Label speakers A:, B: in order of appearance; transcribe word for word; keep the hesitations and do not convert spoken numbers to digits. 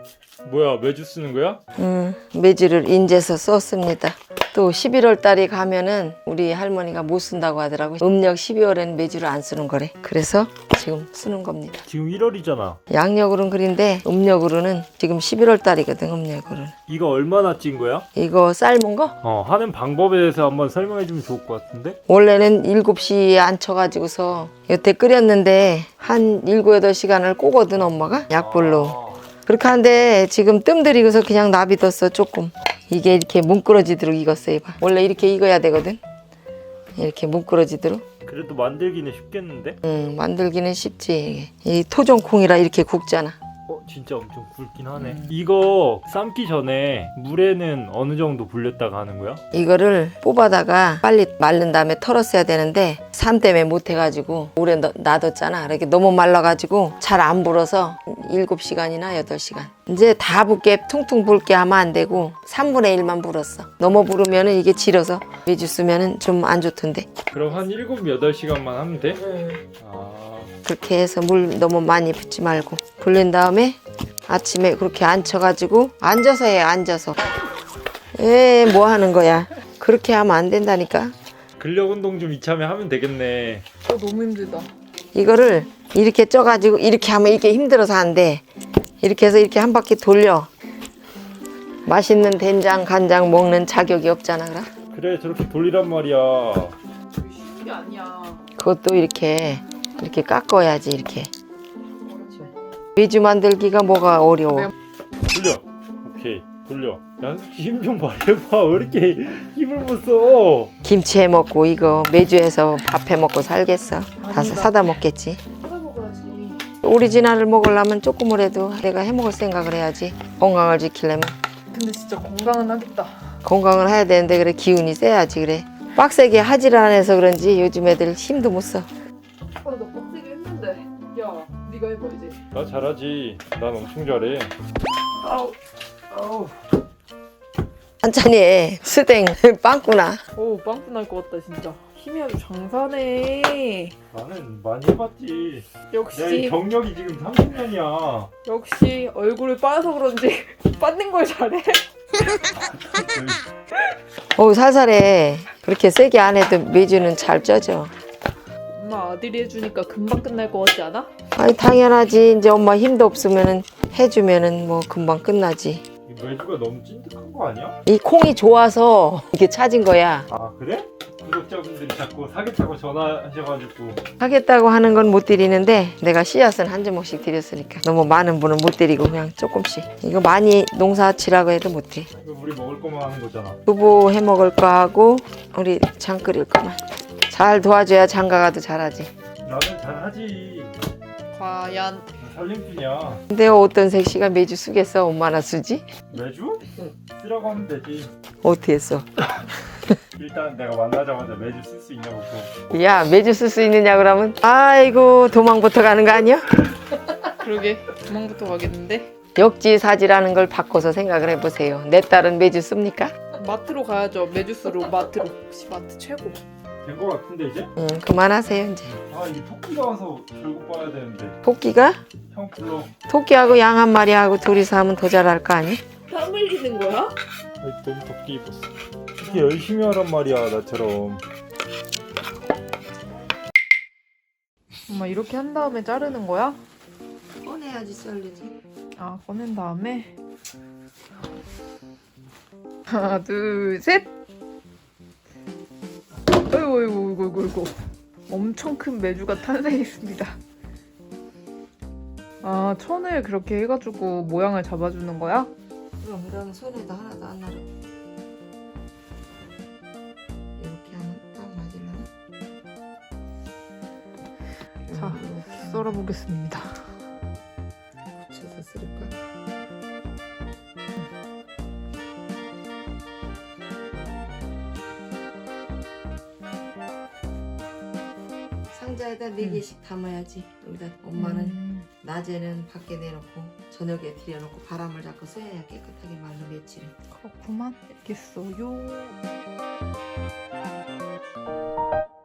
A: 뭐야, 매주 쓰는 거야?
B: 음, 매주를 인제서 썼습니다. 또 십일월 달에 가면은 우리 할머니가 못 쓴다고 하더라고요. 음력 십이월에는 매주를 안 쓰는 거래. 그래서 지금 쓰는 겁니다.
A: 지금 일월이잖아.
B: 양력으로는 그린데 음력으로는 지금 십일월 달이거든. 음력으로는.
A: 이거 얼마나 찐 거야?
B: 이거 삶은 거?
A: 어, 하는 방법에 대해서 한번 설명해 주면 좋을 것 같은데?
B: 원래는 일곱 시에 앉혀가지고서 여태 끓였는데 한 일곱, 여덟 시간을 꼬거든 엄마가 약불로.
A: 아,
B: 그렇게 하는데 지금 뜸 들이고서 그냥 놔비뒀어 조금. 이게 이렇게 뭉그러지도록 익었어요. 봐. 원래 이렇게 익어야 되거든. 이렇게 뭉그러지도록.
A: 그래도 만들기는 쉽겠는데?
B: 음, 만들기는 쉽지. 이 토종콩이라 이렇게 굽잖아.
A: 어, 진짜 엄청 굵긴 하네. 이거 삶기 전에 물에는 어느 정도 불렸다가 하는 거야?
B: 이거를 뽑아다가 빨리 말른 다음에 털었어야 되는데 삶 때문에 못 해가지고 오래 놔- 놔뒀잖아. 이렇게 너무 말라가지고 잘 안 불어서 일곱 시간이나 여덟 시간. 이제 다 붓게 퉁퉁 붓게 하면 안 되고 삼분의 일만 불었어. 너무 부르면은 이게 질어서 매주 쓰면은 좀 안 좋던데.
A: 그럼 한 일곱, 여덟 시간만 하면 돼? 아,
B: 그렇게 해서 물 너무 많이 붓지 말고 불린 다음에 아침에 그렇게 앉혀가지고 앉아서 해. 앉아서. 에 뭐 하는 거야. 그렇게 하면 안 된다니까.
A: 근력 운동 좀 이참에 하면 되겠네.
C: 어, 너무 힘들다.
B: 이거를 이렇게 쪄가지고 이렇게 하면 이게 힘들어서 안 돼. 이렇게 해서 이렇게 한 바퀴 돌려. 맛있는 된장 간장 먹는 자격이 없잖아. 그럼
A: 그래, 저렇게 돌리란 말이야.
C: 그게 쉬운 게 아니야.
B: 그것도 이렇게 이렇게 깎아야지. 이렇게 매주 만들기가 뭐가 어려워.
A: 돌려. 오케이, 돌려. 야, 힘 좀 말해봐. 왜 이렇게 힘을 못 써?
B: 김치 해 먹고 이거 매주해서 밥 해 먹고 살겠어. 다 사- 사다 먹겠지.
C: 사다 먹어야지.
B: 오리지널을 먹으려면 조금이라도 내가 해 먹을 생각을 해야지. 건강을 지키려면.
C: 근데 진짜 건강은 하겠다.
B: 건강을 해야 되는데 그래 기운이 세야지. 그래 빡세게 하질 안 해서 그런지 요즘 애들 힘도 못 써.
C: 아, 나 빡세게 했는데. 야, 네가 해봐 이제.
A: 나 잘하지. 난 엄청 잘해.
C: 아우.
A: 아우.
B: 한찬이 스댕 빵꾸나.
C: 오, 빵꾸 날 것 같다 진짜. 힘이 아주 장사네.
A: 나는 많이 해봤지. 내
C: 역시
A: 경력이 지금 삼십 년이야.
C: 역시 얼굴을 빠서 그런지 빠는 걸 잘해.
B: 오 살살해. 그렇게 세게 안 해도 매주는 잘 쪄져.
C: 엄마 아들이 해주니까 금방 끝날 것 같지 않아?
B: 아니 당연하지. 이제 엄마 힘도 없으면은 해주면은 뭐 금방 끝나지.
A: 이 매주가 너무 찐득한 거 아니야?
B: 이 콩이 좋아서 이게 찾은 거야.
A: 아, 그래? 구독자분들이 자꾸 사겠다고 전화하셔가지고.
B: 하겠다고 하는 건 못 드리는데 내가 씨앗은 한 주먹씩 드렸으니까 너무 많은 분은 못 드리고 그냥 조금씩. 이거 많이 농사치라고 해도 못 해.
A: 이거 우리 먹을 거만 하는 거잖아.
B: 두부 해 먹을 거 하고 우리 장 끓일 거만. 잘 도와줘야 장가가도 잘하지.
A: 나는 잘하지.
C: 과연
A: 나 살림꾼이야.
B: 근데 어떤 색시가 매주 쓰겠어? 얼마나 쓰지?
A: 매주? 쓰라고 하면 되지.
B: 어떻게 써?
A: 일단 내가 만나자마자 매주 쓸 수 있냐고 또.
B: 야 매주 쓸 수 있느냐 그러면 아이고 도망부터 가는 거 아니야?
C: 그러게 도망부터 가겠는데.
B: 역지사지라는 걸 바꿔서 생각을 해보세요. 내 딸은 매주 씁니까?
C: 마트로 가야죠. 메주스로 마트로. 혹시 마트 최고.
A: 된 거 같은데 이제?
B: 응 그만하세요 이제.
A: 아, 이게 토끼가 와서 결국 봐야 되는데.
B: 토끼가?
A: 형 불러.
B: 토끼하고 양 한 마리하고 둘이서 하면 더 잘할 거 아니?
C: 땀 흘리는 거야?
A: 아이, 너무 덥게 입었어. 이렇게 열심히 하란 말이야, 나처럼.
C: 엄마 이렇게 한 다음에 자르는 거야?
B: 꺼내야지 썰리지.
C: 아, 꺼낸 다음에 하나, 둘, 셋! 어이구, 어이구, 어이구, 어이구, 어이구. 엄청 큰 메주가 탄생했습니다. 아, 천을 그렇게 해가지고 모양을 잡아주는 거야?
B: 그럼 이런 손에도 하나도 안 나르고 이렇게 하면 딱 맞으려나?
C: 자, 썰어보겠습니다.
B: 붙여서 쓸까? 상자에다 네 개씩 담아야지. 여기다 엄마는
C: 음.
B: 낮에는 밖에 내놓고 저녁에 들여놓고 바람을 잡고 써야 깨끗하게 말로 며칠을.
C: 그렇구만. 알겠어요.